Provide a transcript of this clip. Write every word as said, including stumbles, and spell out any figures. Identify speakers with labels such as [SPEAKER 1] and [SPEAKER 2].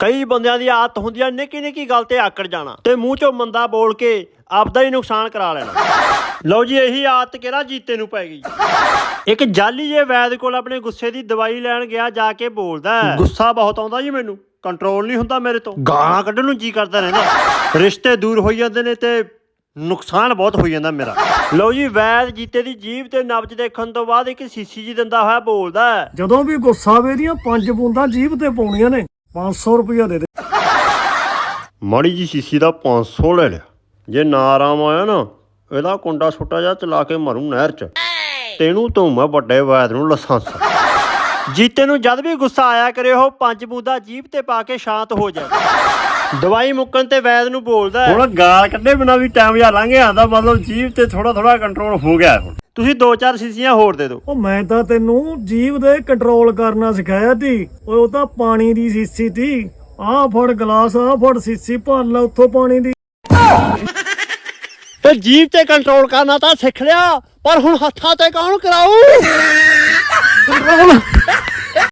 [SPEAKER 1] ਕਈ ਬੰਦਿਆਂ ਦੀ ਆਦਤ ਹੁੰਦੀ ਆ ਨਿੱਕੀ ਨਿੱਕੀ ਗੱਲ ਤੇ ਆਕੜ ਜਾਣਾ ਤੇ ਮੂੰਹ ਚੋਂ ਮੰਦਾ ਬੋਲ ਕੇ ਆਪਦਾ ਹੀ ਨੁਕਸਾਨ ਕਰਾ ਲੈਣਾ। ਲਓ ਜੀ ਇਹੀ ਆਦਤ ਕਿਹੜਾ ਜੀਤੇ ਨੂੰ ਪੈ ਗਈ। ਇੱਕ ਜਾਲੀ ਜੇ ਵੈਦ ਕੋਲ ਆਪਣੇ ਗੁੱਸੇ ਦੀ ਦਵਾਈ ਲੈਣ ਗਿਆ, ਜਾ ਕੇ ਬੋਲਦਾ ਗੁੱਸਾ ਬਹੁਤ ਆਉਂਦਾ ਜੀ ਮੈਨੂੰ, ਕੰਟਰੋਲ ਨਹੀਂ ਹੁੰਦਾ ਮੇਰੇ ਤੋਂ, ਗਾਲਾਂ ਕੱਢਣ ਨੂੰ ਜੀ ਕਰਦਾ ਰਹਿੰਦਾ, ਰਿਸ਼ਤੇ ਦੂਰ ਹੋਈ ਜਾਂਦੇ ਨੇ ਤੇ ਨੁਕਸਾਨ ਬਹੁਤ ਹੋਈ ਜਾਂਦਾ ਮੇਰਾ। ਲਓ ਜੀ ਵੈਦ ਜੀਤੇ ਦੀ ਜੀਭ ਤੇ ਨਬਜ਼ ਦੇਖਣ ਤੋਂ ਬਾਅਦ ਇੱਕ ਸੀਸੀ ਜੀ ਦਿੰਦਾ ਹੋਇਆ ਬੋਲਦਾ
[SPEAKER 2] ਜਦੋਂ ਵੀ ਗੁੱਸਾ ਆਵੇ ਦੀਆਂ ਪੰਜ ਬੂੰਦਾਂ ਜੀਭ ਤੇ ਪਾਉਣੀਆਂ ਨੇ, ਪੰਜ ਸੌ ਰੁਪਇਆ ਦੇ ਦੇ।
[SPEAKER 1] ਮਾੜੀ ਜੀ ਸੀਸੀ ਦਾ ਪੰਜ ਸੌ ਲੈ ਲਿਆ, ਜੇ ਨਾ ਆਰਾਮ ਆਇਆ ਨਾ ਇਹਦਾ ਕੁੰਡਾ ਛੋਟਾ ਜਿਹਾ ਚਲਾ ਕੇ ਮਾਰੂ ਨਹਿਰ ਚ, ਤੈਨੂੰ ਤੋਂ ਮੈਂ ਵੱਡੇ ਵੈਦ ਨੂੰ ਲਾਇਸੈਂਸ। ਜੀਤੇ ਨੂੰ ਜਦ ਵੀ ਗੁੱਸਾ ਆਇਆ ਕਰੇ ਉਹ ਪੰਜ ਬੂੰਦਾਂ ਜੀਭ ਤੇ ਪਾ ਕੇ ਸ਼ਾਂਤ ਹੋ ਜਾਏ। ਦਵਾਈ ਮੁੱਕਣ ਤੇ ਵੈਦ ਨੂੰ ਬੋਲਦਾ ਹੁਣ ਗਾਲ ਕੱਢੇ ਬਿਨਾਂ ਵੀ ਟਾਈਮ ਜਾ ਲੰਘ ਆਉਂਦਾ, ਮਤਲਬ ਜੀਭ ਤੇ ਥੋੜਾ ਥੋੜਾ ਕੰਟਰੋਲ ਹੋ ਗਿਆ। ਹੁਣ ਤੁਸੀਂ ਦੋ ਚਾਰ ਸੀਸੀਆਂ ਹੋਰ ਦੇ ਦਿਓ।
[SPEAKER 2] ਉਹ ਮੈਂ ਤਾਂ ਤੈਨੂੰ ਜੀਭ ਦੇ ਕੰਟਰੋਲ ਕਰਨਾ ਸਿਖਾਇਆ ਤੀ, ਉਹ ਤਾਂ ਪਾਣੀ ਦੀ ਸੀਸੀ ਤੀ। ਆਹ ਫੜ ਗਲਾਸ, ਆਹ ਫੜ ਸੀਸੀ, ਭਰ ਲੈ ਉੱਥੋਂ ਪਾਣੀ ਦੀ।
[SPEAKER 1] ਤੇ ਜੀਭ ਤੇ ਕੰਟਰੋਲ ਕਰਨਾ ਤਾਂ ਸਿੱਖ ਲਿਆ, ਪਰ ਹੁਣ ਹੱਥਾਂ ਤੇ ਕੌਣ ਕਰਾਊ ਕੰਟਰੋਲ?